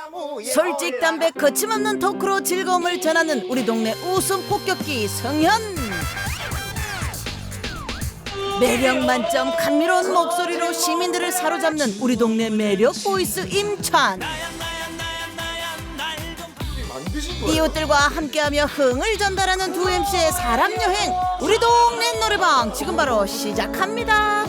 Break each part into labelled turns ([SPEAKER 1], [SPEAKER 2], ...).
[SPEAKER 1] 솔직 담백 거침없는 토크로 즐거움을 전하는 우리 동네 웃음 폭격기 성현. 매력 만점 감미로운 목소리로 시민들을 사로잡는 우리 동네 매력 보이스 임찬. 이웃들과 함께하며 흥을 전달하는 두 MC의 사람 여행 우리 동네 노래방 지금 바로 시작합니다.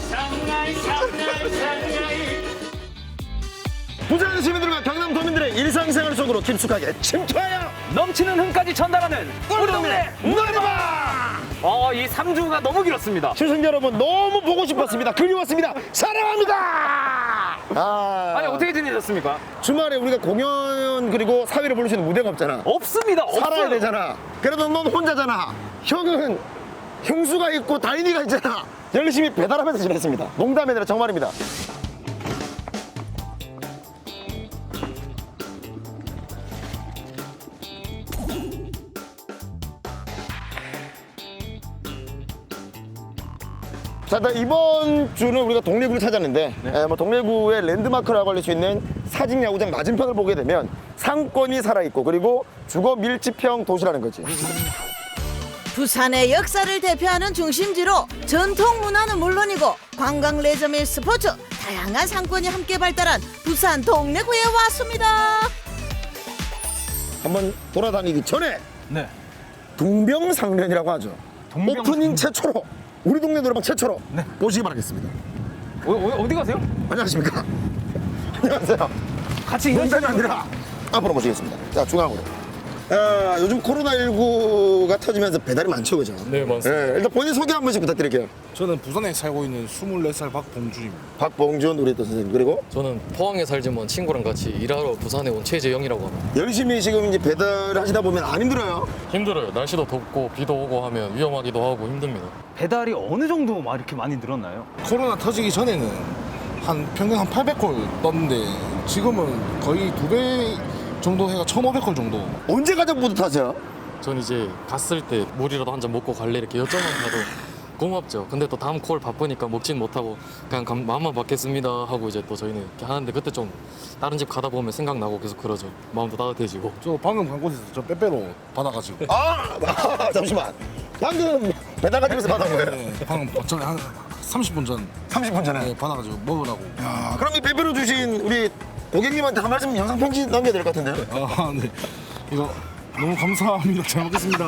[SPEAKER 2] 부산 시민들과 경남 도민들의 일상생활 속으로 깊숙하게 침투하여
[SPEAKER 3] 넘치는 흥까지 전달하는 우리 동네
[SPEAKER 2] 노래방!
[SPEAKER 3] 이 3주가 너무 길었습니다.
[SPEAKER 2] 시청자 여러분 너무 보고 싶었습니다. 그리웠습니다. 사랑합니다.
[SPEAKER 3] 아니 어떻게 지내셨습니까?
[SPEAKER 2] 주말에 우리가 공연 그리고 사회를 부를 수 있는 무대가 없잖아.
[SPEAKER 3] 없습니다.
[SPEAKER 2] 살아야
[SPEAKER 3] 없어요.
[SPEAKER 2] 되잖아. 그래도 넌 혼자잖아. 형은 형수가 있고 다인이가 있잖아. 열심히 배달하면서 지냈습니다. 농담이 아니라 정말입니다. 자, 일단 이번 주는 우리가 동래구를 찾았는데 동래구의 랜드마크라고 할 수 있는 사직야구장 맞은편을 보게 되면 상권이 살아있고 그리고 주거 밀집형 도시라는 거지.
[SPEAKER 1] 부산의 역사를 대표하는 중심지로 전통 문화는 물론이고 관광 레저 및 스포츠 다양한 상권이 함께 발달한 부산 동래구에 왔습니다.
[SPEAKER 2] 한번 돌아다니기 전에
[SPEAKER 3] 네.
[SPEAKER 2] 동병상련이라고 하죠. 오프닝 최초로 우리 동네 노래방 최초로 보시기 바라겠습니다.
[SPEAKER 3] 어디 가세요?
[SPEAKER 2] 안녕하십니까? 안녕하세요.
[SPEAKER 3] 같이
[SPEAKER 2] 농담이 아니라 앞으로 모시겠습니다. 자, 중앙으로. 요즘 코로나19가 터지면서 배달이 많죠, 그죠?
[SPEAKER 4] 네, 맞습니다.
[SPEAKER 2] 일단 본인 소개 한 번씩 부탁드릴게요.
[SPEAKER 4] 저는 부산에 살고 있는 24살 박봉준입니다.
[SPEAKER 2] 박봉준 우리 또 선생님, 그리고
[SPEAKER 4] 저는 포항에 살지만 친구랑 같이 일하러 부산에 온 최재영이라고 합니다.
[SPEAKER 2] 열심히 지금 이제 배달을 하시다 보면 안 힘들어요?
[SPEAKER 4] 힘들어요. 날씨도 덥고 비도 오고 하면 위험하기도 하고 힘듭니다.
[SPEAKER 3] 배달이 어느 정도 이렇게 많이 늘었나요?
[SPEAKER 4] 코로나 터지기 전에는 평균 한 800콜 떴는데 지금은 거의 2배 정도 해가 1,500콜 정도.
[SPEAKER 2] 언제 가장 뿌듯하세요?
[SPEAKER 4] 전 이제 갔을 때 물이라도 한 잔 먹고 갈래 이렇게 여쭤만 가도 고맙죠. 근데 또 다음 콜 바쁘니까 먹진 못하고 그냥 마음만 받겠습니다 하고 이제 또 저희는 이렇게 하는데 그때 좀 다른 집 가다 보면 생각나고 계속 그러죠. 마음도 따뜻해지고. 저 방금 간 곳에서 저 빼빼로 받아가지고.
[SPEAKER 2] 잠시만. 방금 배달 가지면서 받은 거예요?
[SPEAKER 4] 네, 방금 전에 한 30분 전
[SPEAKER 2] 30분 전에.
[SPEAKER 4] 네, 받아가지고 먹으라고.
[SPEAKER 2] 그럼 이 빼빼로 주신 우리 고객님한테 한 말씀 영상 편지 남겨야 될 것 같은데요?
[SPEAKER 4] 네. 이거 너무 감사합니다. 잘 먹겠습니다.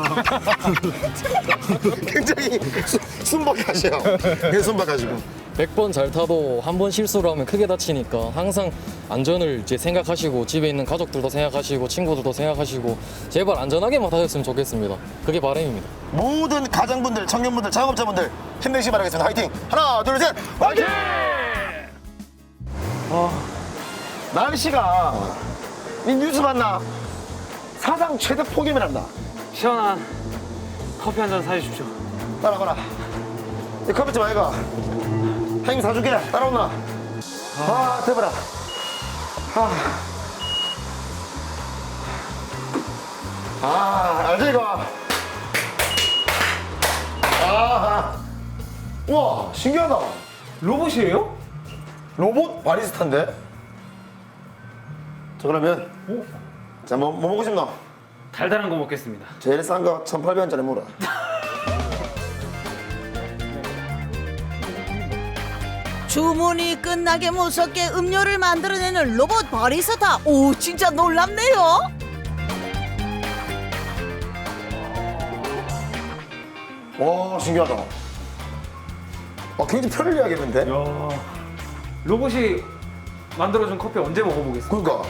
[SPEAKER 2] 굉장히 순박하셔요. 네, 순박하시고.
[SPEAKER 4] 100번 잘 타도 한 번 실수를 하면 크게 다치니까 항상 안전을 이제 생각하시고 집에 있는 가족들도 생각하시고 친구들도 생각하시고 제발 안전하게만 타셨으면 좋겠습니다. 그게 바람입니다.
[SPEAKER 2] 모든 가장분들, 청년분들, 작업자분들 힘내시기 바라겠습니다. 화이팅! 하나, 둘, 셋! 화이팅! 날씨가 이 뉴스 봤나? 사상 최대 폭염이란다.
[SPEAKER 3] 시원한 커피 한 잔 사주십시오.
[SPEAKER 2] 따라가라. 이 커피 좀 아이가. 형님 사줄게. 따라오나? 대박아. 알지 이거? 우와, 신기하다.
[SPEAKER 3] 로봇이에요?
[SPEAKER 2] 로봇 바리스타인데? 자, 그러면 자, 뭐 먹고 싶나?
[SPEAKER 3] 달달한 거 먹겠습니다.
[SPEAKER 2] 제일 싼 거 1,800원짜리 물어.
[SPEAKER 1] 주문이 끝나게 무섭게 음료를 만들어내는 로봇 바리스타. 오, 진짜 놀랍네요.
[SPEAKER 2] 와, 신기하다. 굉장히 편리하겠는데?
[SPEAKER 3] 야, 로봇이 만들어준 커피 언제 먹어보겠어요?
[SPEAKER 2] 그러니까.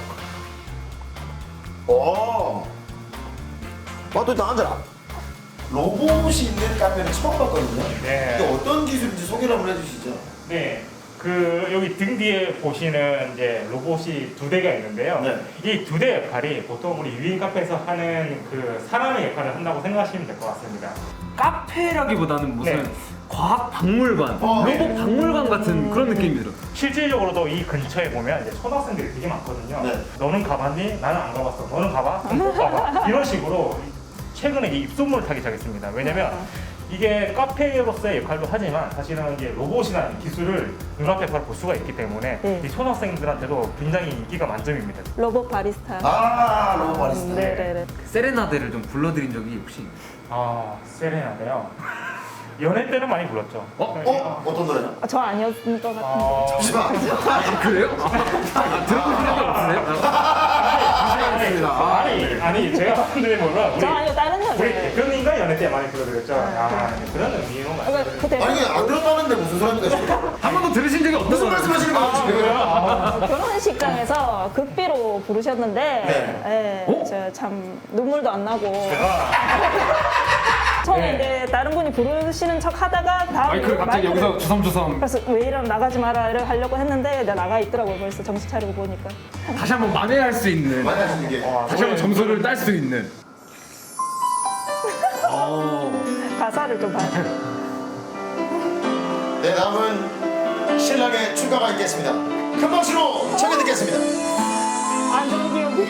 [SPEAKER 2] 또 일단 앉아라. 로봇이 있는 카페는 처음 봤거든요.
[SPEAKER 5] 네.
[SPEAKER 2] 이게 어떤 기술인지 소개를 한번 해주시죠.
[SPEAKER 5] 네, 여기 등 뒤에 보시는 이제 로봇이 2대가 있는데요.
[SPEAKER 2] 네.
[SPEAKER 5] 이 2대 역할이 보통 우리 유인 카페에서 하는 그 사람의 역할을 한다고 생각하시면 될 것 같습니다.
[SPEAKER 3] 카페라기보다는 무슨
[SPEAKER 5] 네.
[SPEAKER 3] 과학 박물관, 로봇
[SPEAKER 5] 네.
[SPEAKER 3] 박물관 같은 그런 느낌이 들어요.
[SPEAKER 5] 실질적으로도 이 근처에 보면 이제 초등학생들이 되게 많거든요.
[SPEAKER 2] 네.
[SPEAKER 5] 너는 가봤니? 나는 안 가봤어. 너는 가봐? 그럼 못 가봐. 이런 식으로 최근에 이 입소문을 타기 시작했습니다. 왜냐면 이게 카페로서의 역할도 하지만 사실은 이제 로봇이나 기술을 눈앞에 바로 볼 수가 있기 때문에
[SPEAKER 6] 네.
[SPEAKER 5] 이 초등학생들한테도 굉장히 인기가 만점입니다.
[SPEAKER 6] 로봇 바리스타.
[SPEAKER 2] 아, 로봇 바리스타.
[SPEAKER 6] 네네네.
[SPEAKER 3] 세레나데를 좀 불러드린 적이 혹시?
[SPEAKER 5] 아, 세레나데요. 연애 때는 많이 불렀죠.
[SPEAKER 2] 어떤 노래냐?
[SPEAKER 6] 저 아니었던 것 같은데.
[SPEAKER 2] 잠시만.
[SPEAKER 3] 그래요? 들어보신 적이 없으세요?
[SPEAKER 5] 아니 제가 봤는데 뭐라
[SPEAKER 6] 저 아니요, 다른
[SPEAKER 5] 우리
[SPEAKER 6] 여자예요.
[SPEAKER 5] 대표님과 연애 때 많이 불러드렸죠. 그런 의미로 말씀드렸죠.
[SPEAKER 6] 그 대표
[SPEAKER 2] 아니, 안 들었다는데 무슨 소리입니까, 지금?
[SPEAKER 3] 한 번도 들으신 적이 없는
[SPEAKER 2] 무슨
[SPEAKER 3] 거예요?
[SPEAKER 2] 말씀하시는 거예요, 지금?
[SPEAKER 6] 결혼식장에서 극비로 부르셨는데,
[SPEAKER 2] 네.
[SPEAKER 6] 저 참 눈물도 안 나고. 처음에 이제 다른 분이 부르시는 척 하다가 다음
[SPEAKER 3] 마이크를 갑자기 여기서 주섬주섬
[SPEAKER 6] 그래서 왜 이러면 나가지 마라 이렇게 하려고 했는데 나 나가 있더라고요. 벌써 정신 차리고 보니까.
[SPEAKER 3] 다시 한번 만회할 수 있는,
[SPEAKER 2] 많이 하시는 게.
[SPEAKER 3] 다시 한번 점수를 딸 수 있는.
[SPEAKER 6] 가사를 좀 봐야 돼.
[SPEAKER 2] 네, 다음은 신랑의 축가가 있겠습니다. 큰 박수로 청해 듣겠습니다.
[SPEAKER 6] 안 좋은 기억이.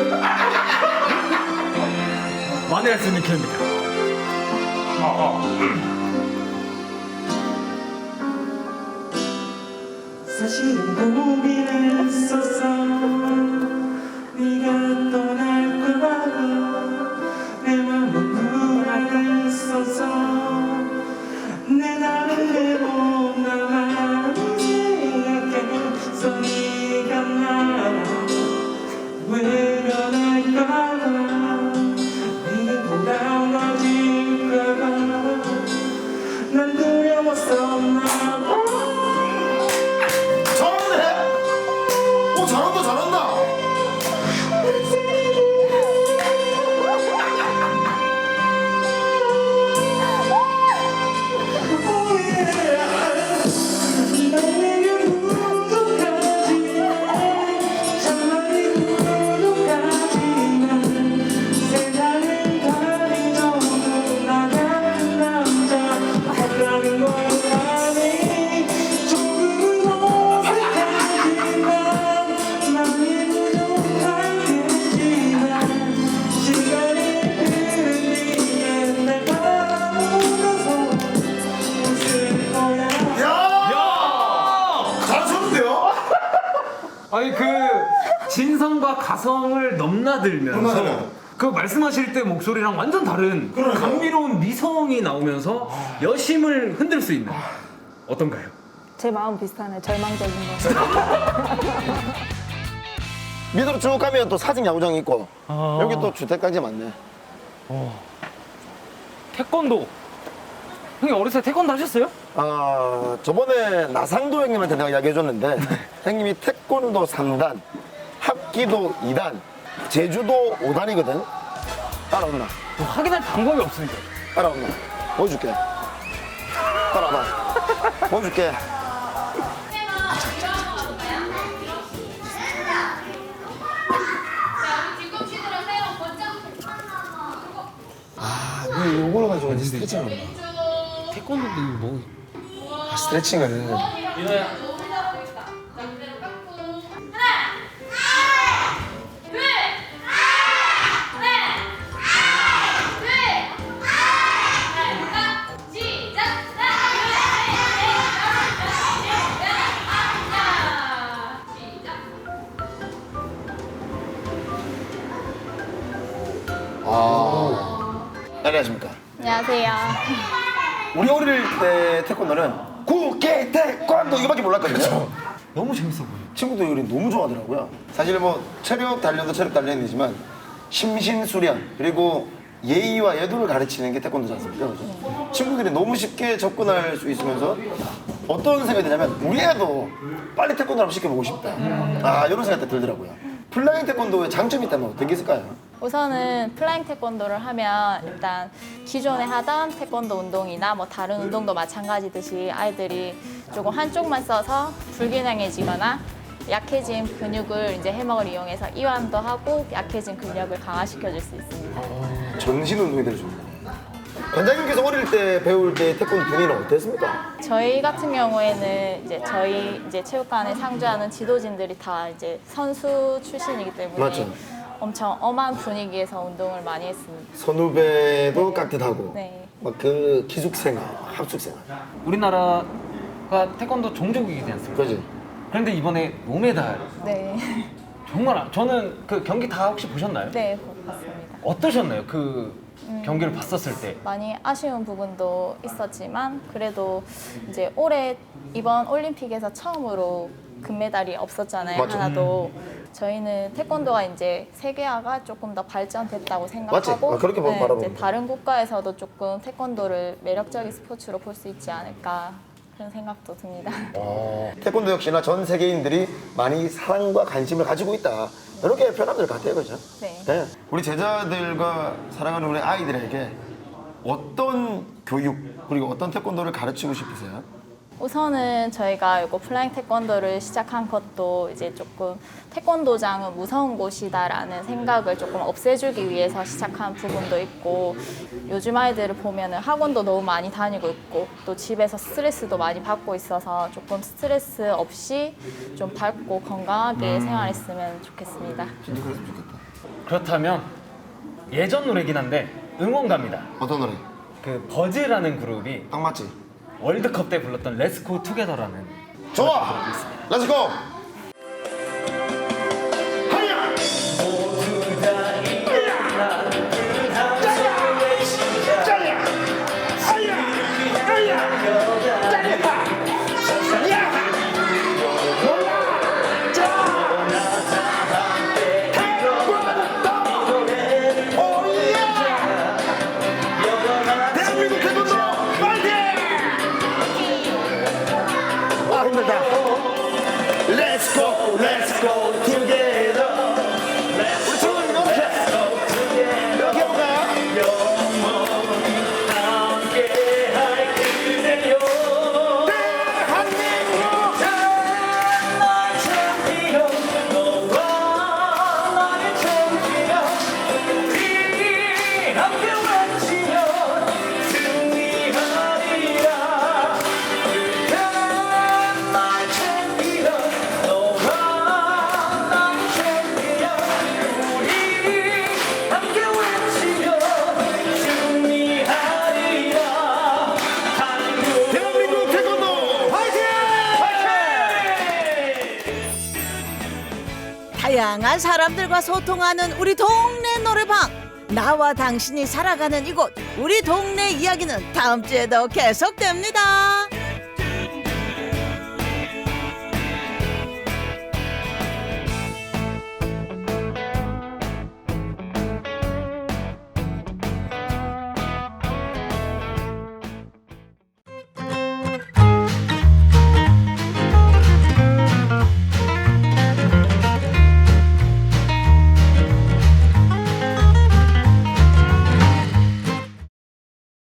[SPEAKER 3] 만회할 수 있는 기회입니다.
[SPEAKER 5] 사실은 고민했었어. 네가 떠날까 봐 내 맘은 불안했었어. 내 나름대로 나만 생각해서 네가 나 외면할까 봐 네가 돌아와질까 봐 난 두려웠었나 봐.
[SPEAKER 2] 잘하네! 오, 잘한다, 잘한다!
[SPEAKER 3] 아니 그 진성과 가성을 넘나들면서
[SPEAKER 2] 넘나들어요.
[SPEAKER 3] 그 말씀하실 때 목소리랑 완전 다른 감미로운 미성이 나오면서 여심을 흔들 수 있는 어떤가요?
[SPEAKER 6] 제 마음 비슷하네. 절망적인 거.
[SPEAKER 2] 밑으로 쭉 가면 또 사직 야구장이 있고 여기 또 주택까지 많네.
[SPEAKER 3] 태권도 형님 어렸을 때 태권도 하셨어요?
[SPEAKER 2] 아, 저번에 나상도 형님한테 내가 이야기해줬는데 형님이 태권도 3단, 합기도 2단, 제주도 5단이거든. 따라온나?
[SPEAKER 3] 확인할 방법이 없으니까.
[SPEAKER 2] 따라온나? 보여줄게. 따라와봐. 보여줄게. 아, 이걸 가지고 이제 스트레칭을 한다.
[SPEAKER 3] 태권도도 뭐
[SPEAKER 2] 아, 스트레칭을. 안녕하십니까.
[SPEAKER 7] 안녕하세요.
[SPEAKER 2] 우리 어릴 때 태권도는 구개 태권도 이거밖에 몰랐거든요.
[SPEAKER 3] 너무 재밌어 보여.
[SPEAKER 2] 친구들이 우리 너무 좋아하더라고요. 사실 뭐 체력 단련도 체력 단련이지만 심신수련 그리고 예의와 예도를 가르치는 게 태권도지 않습니까? 그죠? 친구들이 너무 쉽게 접근할 수 있으면서 어떤 생각이 드냐면 우리 애도 빨리 태권도 한번 시켜보고 싶다. 아, 이런 생각이 들더라고요. 플라잉 태권도의 장점이 있다면 어떤 게 있을까요?
[SPEAKER 7] 우선은 플라잉 태권도를 하면 일단 기존에 하던 태권도 운동이나 뭐 다른 운동도 마찬가지듯이 아이들이 조금 한쪽만 써서 불균형해지거나 약해진 근육을 이제 해먹을 이용해서 이완도 하고 약해진 근력을 강화시켜 줄 수 있습니다.
[SPEAKER 2] 전신 운동이 될 수 있는. 원장님께서 어릴 때 배울 때 태권도 분위기는 어땠습니까?
[SPEAKER 7] 저희 같은 경우에는 이제 저희 이제 체육관에 상주하는 지도진들이 다 이제 선수 출신이기 때문에
[SPEAKER 2] 맞죠.
[SPEAKER 7] 엄청 엄한 분위기에서 운동을 많이 했습니다.
[SPEAKER 2] 선후배도 깍듯하고
[SPEAKER 7] 네.
[SPEAKER 2] 막 그 기숙생활, 합숙생활.
[SPEAKER 3] 우리나라가 태권도 종족이지 않습니까?
[SPEAKER 2] 그지?
[SPEAKER 3] 그런데 이번에 노메달
[SPEAKER 7] 네.
[SPEAKER 3] 정말 저는 그 경기 다 혹시 보셨나요?
[SPEAKER 7] 네, 봤습니다.
[SPEAKER 3] 어떠셨나요? 그 경기를 봤었을 때.
[SPEAKER 7] 많이 아쉬운 부분도 있었지만 그래도 이제 올해 이번 올림픽에서 처음으로 금메달이 없었잖아요.
[SPEAKER 2] 맞죠.
[SPEAKER 7] 하나도. 저희는 태권도가 이제 세계화가 조금 더 발전됐다고 생각하고
[SPEAKER 2] 맞지? 그렇게 바라보면
[SPEAKER 7] 이제
[SPEAKER 2] 돼.
[SPEAKER 7] 다른 국가에서도 조금 태권도를 매력적인 스포츠로 볼 수 있지 않을까 그런 생각도 듭니다.
[SPEAKER 2] 태권도 역시나 전 세계인들이 많이 사랑과 관심을 가지고 있다. 이렇게 표현하면 될 것 같아요, 그죠?
[SPEAKER 7] 네.
[SPEAKER 2] 우리 제자들과 사랑하는 우리 아이들에게 어떤 교육 그리고 어떤 태권도를 가르치고 싶으세요?
[SPEAKER 7] 우선은 저희가 이거 플라잉 태권도를 시작한 것도 이제 조금 태권도장은 무서운 곳이다라는 생각을 조금 없애주기 위해서 시작한 부분도 있고 요즘 아이들을 보면은 학원도 너무 많이 다니고 있고 또 집에서 스트레스도 많이 받고 있어서 조금 스트레스 없이 좀 밝고 건강하게 생활했으면 좋겠습니다.
[SPEAKER 2] 진짜 그랬으면 좋겠다.
[SPEAKER 3] 그렇다면 예전 노래긴 한데 응원 갑니다.
[SPEAKER 2] 어떤 노래?
[SPEAKER 3] 그 버즈라는 그룹이
[SPEAKER 2] 딱 맞지?
[SPEAKER 3] 월드컵 때 불렀던 Let's Go Together라는
[SPEAKER 2] 좋아! 렛츠고! 하야! 대한민국 태권도 파이팅! 아 힘들다. Let's go, let's go together. 우리 친구들 이렇게 해볼까요? 대한민국 대한민국 태권도 파이팅!
[SPEAKER 1] 다양한 사람들과 소통하는 우리 동네 노래방. 나와 당신이 살아가는 이곳 우리 동네 이야기는 다음 주에도 계속됩니다.